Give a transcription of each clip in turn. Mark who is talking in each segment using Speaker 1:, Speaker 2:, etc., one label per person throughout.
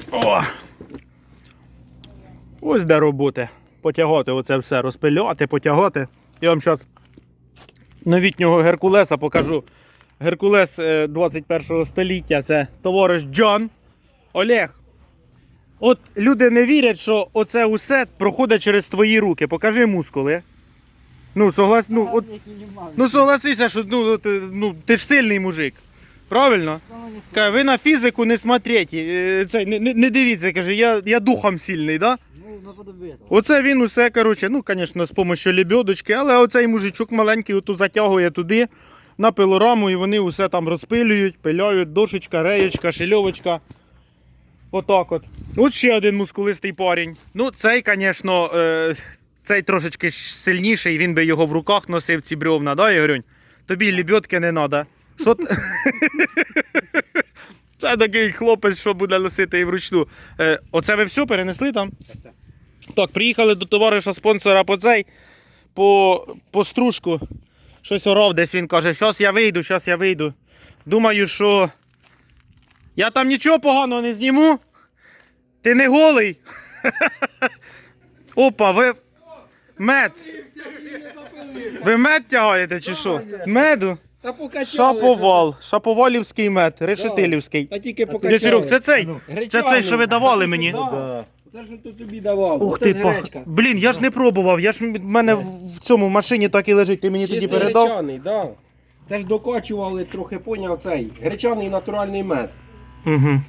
Speaker 1: О! Ось де роботи. Потягати оце все, розпиляти, потягати. Я вам зараз новітнього Геркулеса покажу. Геркулес 21 століття, це товариш Джон. Олег, от люди не вірять, що оце усе проходить через твої руки. Покажи мускули. Ну, согласися, що ти ж сильний мужик. Правильно? Каже, ви на фізику не смотрите, не дивіться, каже, я духом сильний, да? Оце він усе, коротше, ну, звісно, з допомогою лебедочки, але оцей мужичок маленький оту затягує туди на пилораму і вони усе там розпилюють, пиляють, дошечка, реєчка, шильовочка. Отак от. От ще один мускулистий парень. Ну, цей, звісно, цей трошечки сильніший, він би його в руках носив, ці бревна, да, Ігорюнь? Тобі лебедки не треба. Що ти? Це такий хлопець, що буде носити і вручну. Оце ви все перенесли там? Так, приїхали до товариша спонсора по стружку. Щось орав десь, він каже, щас я вийду. Думаю, що я там нічого поганого не зніму. Ти не голий. Опа, ви мед. Ви мед тягаєте чи що? Меду? Шаповалівський мед, решетилівський.
Speaker 2: Та тільки покачали.
Speaker 1: Серег, це цей, що ви давали мені.
Speaker 2: Це ж тут тобі давав.
Speaker 1: Ух ти, блін, я ж не пробував, в мене в цьому машині так і лежить, ти мені тоді передав.
Speaker 2: Гречаний, да. Це ж докачували трохи, поняв, цей гречаний натуральний мед.
Speaker 1: Угу.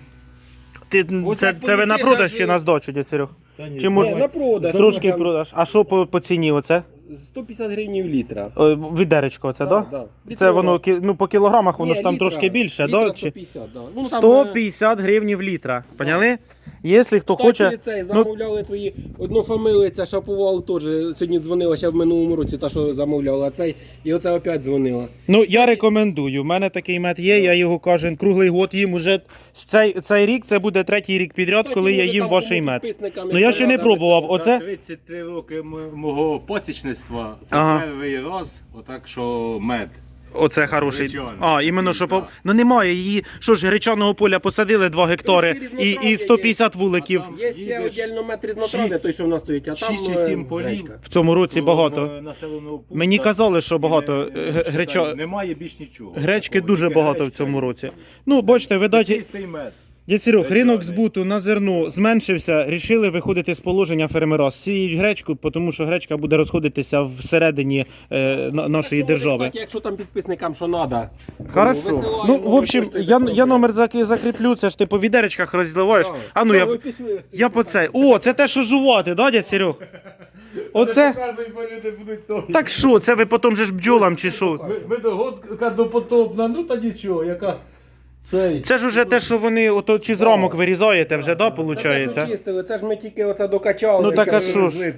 Speaker 1: Це ви на продаж чи на здачу, дядь Серег? Чи може
Speaker 2: на продаж.
Speaker 1: Трошки продаж. А що по ціні оце?
Speaker 2: 150 гривень літра.
Speaker 1: Відеречко оце,
Speaker 2: да?
Speaker 1: Да? Це воно по кілограмах, воно ж там трошки більше, да?
Speaker 2: 150, да. Ну,
Speaker 1: 150 гривень літра, поняли? Якщо хто хоче...
Speaker 2: Цей, замовляли твої однофамилиця Шаповал теж, сьогодні дзвонила ще в минулому році, та що замовляла цей, і оце опять дзвонила.
Speaker 1: Ну, я рекомендую, у мене такий мед є, я його кожен круглий год їм уже, цей рік, це буде третій рік підряд, коли я їм ваший мед. Ну, я ще не пробував,
Speaker 3: За
Speaker 1: оце...
Speaker 3: 33 роки мого посічництва, це перший раз, отак, що мед.
Speaker 1: Оце хороший.
Speaker 3: Гречаний.
Speaker 1: Іменно, що... Ну немає її, що ж, гречаного поля посадили 2 гектари і 150 вуликів.
Speaker 2: Є ще віддільно мед різнотрав'я, той, що в нас стоїть, а там
Speaker 3: 6 чи 7 полів.
Speaker 1: В цьому році багато. Мені казали, що багато
Speaker 3: Немає більш нічого.
Speaker 1: Гречки дуже багато в цьому році. Ну, бачите, видать,
Speaker 3: Чистий мед.
Speaker 1: дядь Серег, ринок збуту на зерно зменшився, рішили виходити з положення фермера. Сіють гречку, тому що гречка буде розходитися всередині нашої держави.
Speaker 2: Кстати, якщо там підписникам що треба.
Speaker 1: Хорошо. Ну, в общем, я номер закріплю, це ж ти по відеречках розливаєш. А ну, я по цей. О, це те, що жувати, да, дядь Серег? Оце? Так що, це ви потім же ж бджолам чи що?
Speaker 3: Медогодка допотопна, ну та нічого, яка...
Speaker 1: Це ж уже те, що вони ото чи з рамок вирізаєте вже, да, виходить?
Speaker 2: Це чистили, це ж ми тільки оце докачали.
Speaker 1: Ну так а що ж?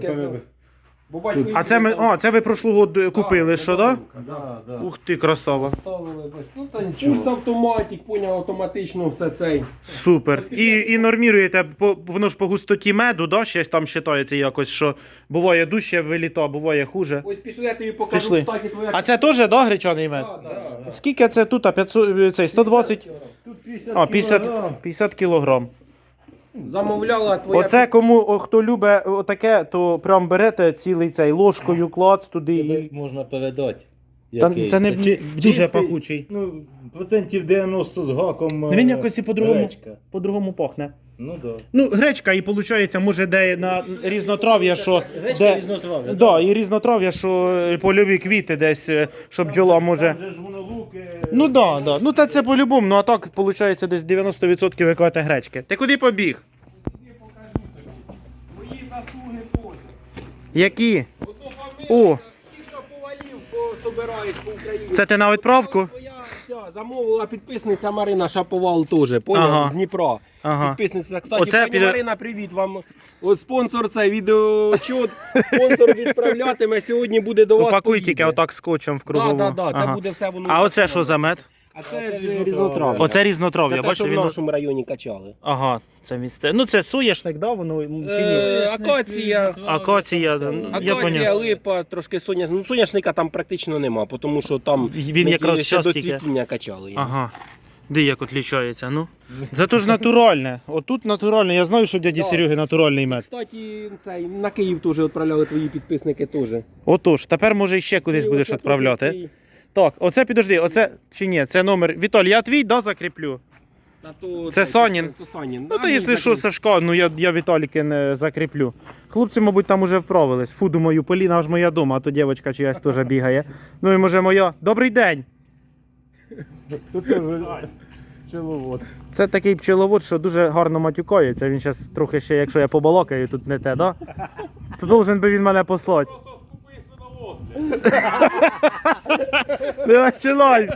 Speaker 1: А це ви прошлого год купили, що, да?
Speaker 3: Да.
Speaker 1: Ух ти, красава.
Speaker 3: Ну та
Speaker 2: Пульс
Speaker 3: нічого.
Speaker 2: автоматик, поняв, автоматично все цей.
Speaker 1: Супер. І норміруєте, воно ж по густоті меду, да, ще там вважається якось, що буває дужче виліта, буває хуже.
Speaker 2: Ось пішли, я тобі покажу,
Speaker 1: Пішли.
Speaker 2: кстати, твоя...
Speaker 1: А це теж, да, гречаний мед?
Speaker 2: Да.
Speaker 1: Скільки це тут? 500, цей, 120?
Speaker 3: Тут 50
Speaker 1: 50 кілограм.
Speaker 2: Замовляла твоя...
Speaker 1: Оце кому, хто любить отаке, то прям берете цілий цей ложкою, клац туди і...
Speaker 3: можна передати.
Speaker 1: Це не дуже пахучий.
Speaker 3: Ну, процентів 90 з гаком.
Speaker 1: Він якось і по-другому пахне.
Speaker 3: Ну да.
Speaker 1: Ну, гречка і виходить, може де на різнотрав'я, що...
Speaker 3: Гречка різнотрав'я,
Speaker 1: да, і різнотрав'я, що польові квіти десь, щоб бджола може...
Speaker 3: Там же ж воно луки...
Speaker 1: Ну да, да. Ну та це по-любому, ну а так виходить десь 90% ви кажете гречки. Ти куди побіг?
Speaker 2: Мої заслуги поза.
Speaker 1: Які?
Speaker 2: Одну
Speaker 1: О.
Speaker 2: фамилію, всіх шаповалів собираєш по Україні.
Speaker 1: Це ти на відправку?
Speaker 2: Твоя ця замовила підписниця Марина Шаповал теж, поняв,
Speaker 1: Ага.
Speaker 2: з Дніпра.
Speaker 1: Ага.
Speaker 2: Підписниця. Кстати,
Speaker 1: Оце
Speaker 2: пані Марина, привіт вам. От спонсор цей відеочут, спонсор відправлятиме, сьогодні буде до вас
Speaker 1: Упакуй
Speaker 2: поїде.
Speaker 1: тільки отак скотчем в кругову.
Speaker 2: Да, це
Speaker 1: Ага.
Speaker 2: буде все воно.
Speaker 1: А оце що за мед?
Speaker 2: А це ж різнотрав'я.
Speaker 1: Оце різнотрав'я,
Speaker 2: Це те,
Speaker 1: бачите,
Speaker 2: що в
Speaker 1: він...
Speaker 2: нашому районі качали.
Speaker 1: Ага, це місце. Ну це соняшник, да, воно чи ні?
Speaker 2: Акація.
Speaker 1: Акація, я
Speaker 2: Акація,
Speaker 1: поняв.
Speaker 2: липа, трошки соняшника. Ну, соняшника там практично нема, тому що там
Speaker 1: Він
Speaker 2: ми
Speaker 1: якраз
Speaker 2: ще до
Speaker 1: щас тільки.
Speaker 2: цвітіння качали.
Speaker 1: Ага. Де як відлічається, ну? Це ж натуральне. Отут натуральне. Я знаю, що дяді
Speaker 2: Да.
Speaker 1: Сереги натуральний мед.
Speaker 2: Кстати, цей, на Київ теж відправляли твої підписники теж.
Speaker 1: Отож, тепер може ще кудись
Speaker 2: Києва
Speaker 1: будеш
Speaker 2: це
Speaker 1: відправляти.
Speaker 2: теж свій.
Speaker 1: Так, оце підожди, оце чи ні, це номер. Віталь, я твій, да, закріплю?
Speaker 2: Та то,
Speaker 1: Це Санін?
Speaker 2: То Санін.
Speaker 1: Ну, та якщо що, Сашка, ну я Віталіки не закріплю. Хлопці, мабуть, там уже вправились. Фу, думаю, Поліна ж моя дома, а то дівчинка чиясь теж бігає. Ну і може моя. Добрий день!
Speaker 3: Тут теж пчеловод.
Speaker 1: Це такий пчеловод, що дуже гарно матюкається. Він зараз трохи ще, якщо я побалакаю, тут не те, да? То должен би він мене послати. Не починай!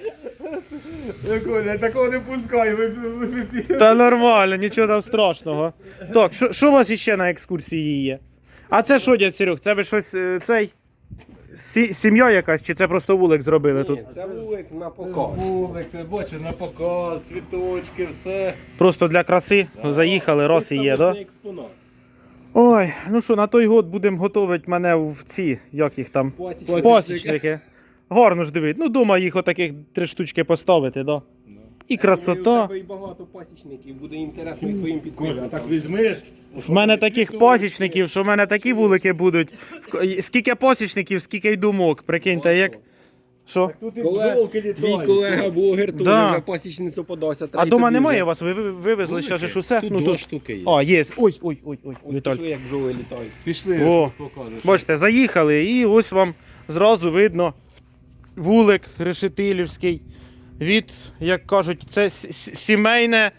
Speaker 3: Я такого не пускай,
Speaker 1: Та нормально, нічого там страшного. Так, що у вас іще на екскурсії є? А це що, дядь Серег, це ви щось цей? Сім'я якась, чи це просто вулик зробили тут?
Speaker 2: Ні, це вулик на показ.
Speaker 3: Вулик, ти бачиш, на показ, цвіточки, все.
Speaker 1: Просто для краси заїхали, раз і є, да?
Speaker 2: Виставочний експонат.
Speaker 1: Ой, ну що, на той год будемо готувати мене в ці, як їх там?
Speaker 2: Пасічники.
Speaker 1: Пасічники. Гарно ж дивить. Ну, дома їх отаких 3 штучки поставити, да? І
Speaker 2: У
Speaker 1: красота.
Speaker 2: тебе і багато пасічників, буде інтересно і твоїм
Speaker 3: Коля, а
Speaker 2: підписникам.
Speaker 3: так візьмеш.
Speaker 1: В мене таких пасічників, що в мене такі вулики будуть. Скільки пасічників, скільки й думок. Прикиньте, як. Що?
Speaker 3: Тут і
Speaker 2: Колега-
Speaker 3: бджолки
Speaker 2: Твій
Speaker 3: літають.
Speaker 2: колега-блогер теж
Speaker 1: Да.
Speaker 2: вже пасічницю подався.
Speaker 1: А дома немає у вас? Ви вивезли ще ж усе?
Speaker 3: Тут
Speaker 1: Ну,
Speaker 3: 2
Speaker 1: тут.
Speaker 3: штуки є.
Speaker 1: А, є. Ой,
Speaker 2: Ось
Speaker 1: Віталь.
Speaker 2: пішли, як бджоли літають.
Speaker 3: Пішли,
Speaker 1: О,
Speaker 3: покажеш.
Speaker 1: Бачите, заїхали і ось вам зразу видно вулик решетилівський. Від, як кажуть, це сімейне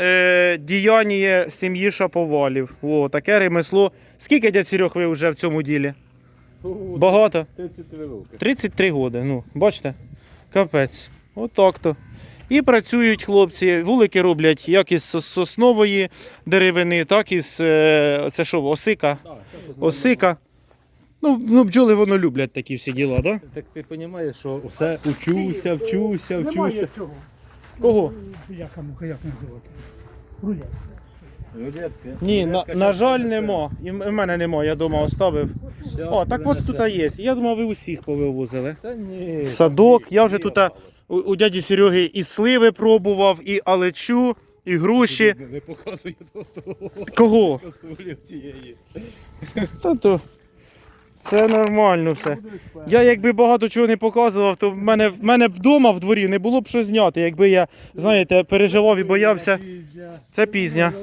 Speaker 1: діяння сім'ї Шаповалів. О, таке ремесло. Скільки, дядь Серег, ви вже в цьому ділі? Багато?
Speaker 3: 33 роки.
Speaker 1: 33 роки. Ну, бачите? Капець. Отак-то. І працюють хлопці. Вулики роблять як із соснової деревини, так і з це що, осика. Осика. Ну, бджоли воно люблять такі всі діла, так? Да?
Speaker 3: Так ти розумієш, що все вчуся.
Speaker 4: Немає цього.
Speaker 1: Кого?
Speaker 4: Яка як називати? Рулет.
Speaker 3: Рулетки.
Speaker 1: Ні, на жаль, нема. І в мене нема, я вдома оставив. О, так ось тут є. Я думав, ви усіх повивозили.
Speaker 3: Та ні.
Speaker 1: Садок, я вже тут у дяді Сереги і сливи пробував, і алечу, і груші.
Speaker 3: Не показує того
Speaker 1: Кого?
Speaker 3: каструлі тієї.
Speaker 1: Та-то. Це нормально все. Я якби багато чого не показував, то в мене вдома в дворі не було б що зняти, якби я, знаєте, переживав і боявся. Це пізня.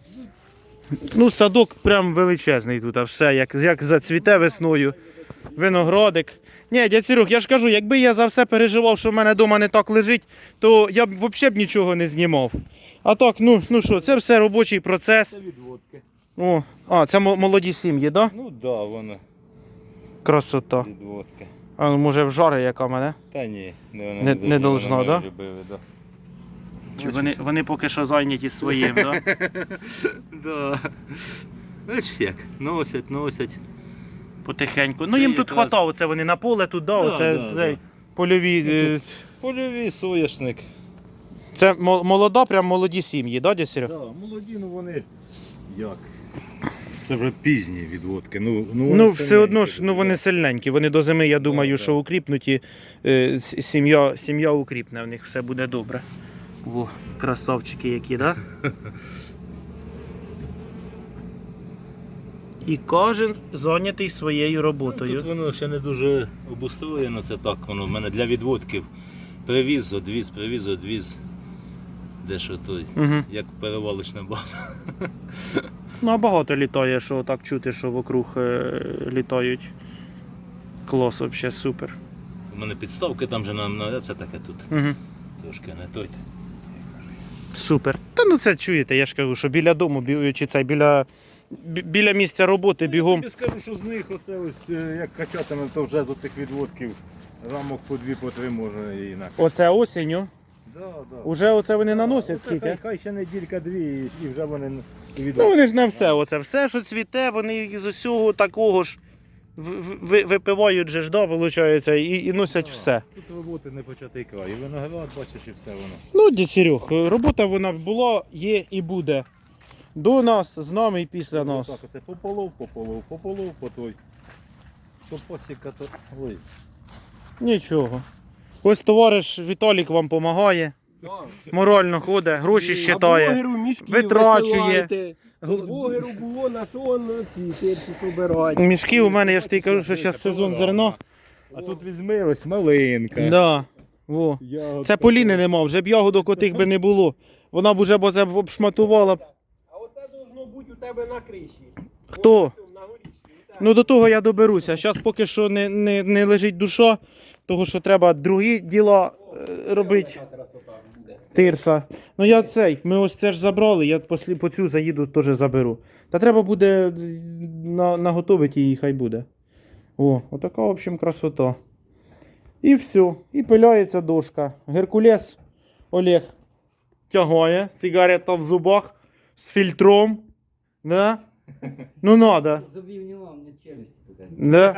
Speaker 1: Ну, садок прям величезний тут, а все, як зацвіте весною. Виноградик. Ні, дядь Серег, я ж кажу, якби я за все переживав, що в мене вдома не так лежить, то я б взагалі б нічого не знімав. А так, ну що, це все робочий процес.
Speaker 3: Це відводки.
Speaker 1: О, це молоді сім'ї, так? Да?
Speaker 3: Ну да, воно
Speaker 1: Красота.
Speaker 3: відводки.
Speaker 1: А ну, може в жари яка мене?
Speaker 3: Та ні,
Speaker 1: Не должно, да?
Speaker 3: Да?
Speaker 1: Чи вони поки що зайняті своїм, так?
Speaker 3: Да. Бачиш як, носять.
Speaker 1: Потихеньку. Ну
Speaker 3: Це
Speaker 1: їм тут
Speaker 3: якраз-
Speaker 1: хватало, це вони на поле тут, да,
Speaker 3: Да,
Speaker 1: оце
Speaker 3: да,
Speaker 1: цей
Speaker 3: да.
Speaker 1: польові.
Speaker 3: Польовий соняшник.
Speaker 1: Це молода, прям молоді сім'ї, да, дядь Серег?
Speaker 3: Да, молоді, ну вони як? Це вже пізні відводки. Ну
Speaker 1: Ну, все одно ж, ну вони сильненькі. Вони до зими, я думаю,
Speaker 3: да.
Speaker 1: що укріпнуті. Сім'я укріпне, в них все буде добре. О, красавчики які, да? І кожен зайнятий своєю роботою.
Speaker 5: Тут воно ще не дуже обустроєно, це так, воно в мене для відводків. Привіз, одвіз. Де що той,
Speaker 1: Угу.
Speaker 5: як перевалочна база.
Speaker 1: Ну, а багато літає, що так чути, що вокруг літають. Клас, взагалі супер.
Speaker 5: У мене підставки там же на це таке тут.
Speaker 1: Угу.
Speaker 5: Трошки не той.
Speaker 1: Супер. Та ну це чуєте, я ж кажу, що біля дому, чи це біля місця роботи бігом.
Speaker 3: Я скажу, що з них оце ось як качатиме, то вже з оцих відводків рамок по 2-3 можна і на.
Speaker 1: Оце осінню.
Speaker 3: Да.
Speaker 1: Уже оце вони наносять
Speaker 3: Оце
Speaker 1: скільки?
Speaker 3: Хай ще неділька-дві і вже вони і
Speaker 1: Ну
Speaker 3: відводки.
Speaker 1: вони ж на все, оце все, що цвіте, вони з усього такого ж випивають же ж, да, виходить, і носять все.
Speaker 3: Тут роботи не початий край. І виноград, бачиш, і все воно.
Speaker 1: Ну, дядь Серег, робота вона була, є і буде. До нас, з нами і після нас.
Speaker 3: Так, оце пополов, по той. То посіка, то. Ой.
Speaker 1: Нічого. Ось товариш Віталік вам допомагає. Морально ходить, гроші
Speaker 2: А
Speaker 1: щитає.
Speaker 2: блогеру мішки
Speaker 1: витрачує.
Speaker 2: висилайте. Блогеру було на що он ці тирси побирати.
Speaker 1: Мішки у мене, я ж тобі кажу, що зараз сезон зерна.
Speaker 3: А тут візьми ось малинка.
Speaker 1: Да. Во. Це Поліни нема, вже б ягодок отих би не було. Вона б уже б це обшматувала.
Speaker 2: А оце должно бути у тебе на криші.
Speaker 1: Хто?
Speaker 2: Ось на горішні.
Speaker 1: Ну до того я доберуся. Зараз поки що не лежить душа, того що треба другі діла робити. Тирса. Ну я цей, ми ось це ж забрали, я по цю заїду теж заберу. Та треба буде наготовити її, хай буде. О, отака, в общем, красота. І все. І пиляється дошка. Геркулес Олег тягає, сигарета в зубах, з фільтром. Да? Ну надо.
Speaker 6: Зубів нема, мені челюсть туди.
Speaker 1: Да?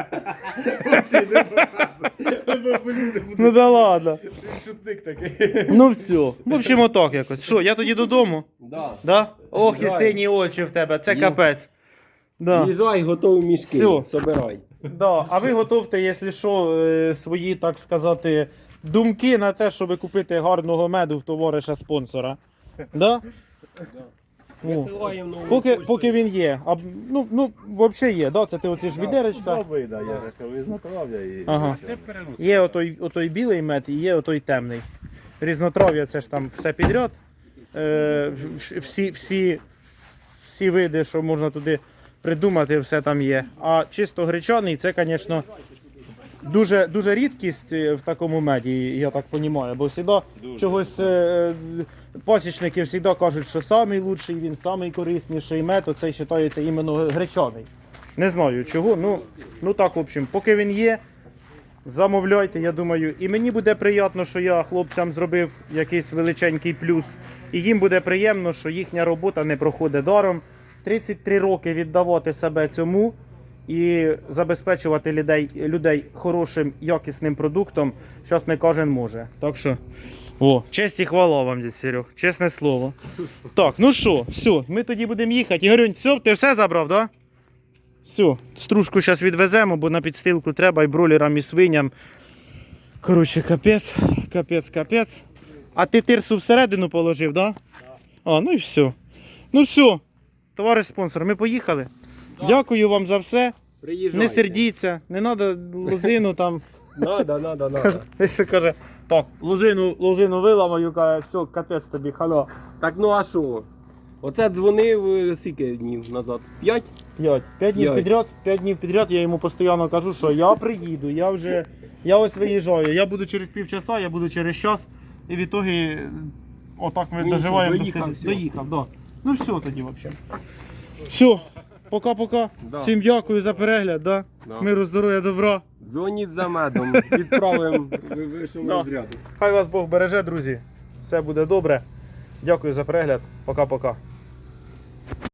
Speaker 1: Ну да ладно.
Speaker 3: Шутник такий.
Speaker 1: Ну все. В общем, отак якось. Що, я тоді додому?
Speaker 2: Да.
Speaker 1: Да? Ох, і
Speaker 2: Їжджай.
Speaker 1: сині очі в тебе, це
Speaker 2: Ні.
Speaker 1: капець. Да.
Speaker 2: Їжджай, готові мішки.
Speaker 1: Всьо.
Speaker 2: Собирай.
Speaker 1: Да. А ви готовте, якщо що, свої, так сказати, думки на те, щоб купити гарного меду в товариша спонсора. Да? О.
Speaker 2: Висилаємо нову
Speaker 1: Поки він є. А, ну, взагалі є, да? Це ти оці ж відеречка.
Speaker 3: Два вида, я рахую, знатрав'я і...
Speaker 1: Ага. Є отой білий мед і є отой темний. Різнотрав'я це ж там все підряд. Всі види, що можна туди придумати, все там є. А чисто гречаний це, звісно, дуже рідкість в такому меді, я так розумію. Бо завжди чогось пасічники завжди кажуть, що найкращий, він найкорисніший мед, оцей вважається іменно гречаний. Не знаю чого, ну так, в общем, поки він є, замовляйте, я думаю. І мені буде приємно, що я хлопцям зробив якийсь величенький плюс. І їм буде приємно, що їхня робота не проходить даром. 33 роки віддавати себе цьому і забезпечувати людей хорошим, якісним продуктом, зараз не кожен може. Так що, честь і хвала вам, дядь Серег, чесне слово. Так, ну що, все, ми тоді будемо їхати. Ігорюнь, все, ти все забрав, так? Да? Все, стружку зараз відвеземо, бо на підстилку треба і бролерам, і свиням. Коротше, капець. А ти тирсу всередину положив, так? Да? А, ну і все. Ну все, товариш спонсор, ми поїхали. Дякую вам за все.
Speaker 2: Приїжджайте.
Speaker 1: Не сердіться, не треба лозину там.
Speaker 2: Надо.
Speaker 1: Якщо каже, так, лозину виламаю, каже, все, капець тобі, хало.
Speaker 2: Так ну а що? Оце дзвонив скільки днів назад? 5?
Speaker 1: 5 днів
Speaker 2: П'ять.
Speaker 1: підряд, 5 днів підряд, я йому постійно кажу, що я приїду, я ось виїжджаю, я буду через півчаса, я буду через час, і в ітогі отак ми
Speaker 2: Ну,
Speaker 1: доживаємо.
Speaker 2: доїхав, всьо.
Speaker 1: Доїхав, да. Ну все тоді взагалі. Все, пока-пока.
Speaker 2: Да.
Speaker 1: Всім дякую за перегляд, да?
Speaker 2: Да.
Speaker 1: Миру, здоров'я, добра.
Speaker 2: Дзвоніть за медом, відправимо вищому
Speaker 1: Да.
Speaker 2: розряду.
Speaker 1: Хай вас Бог береже, друзі. Все буде добре. Дякую за перегляд. Пока-пока.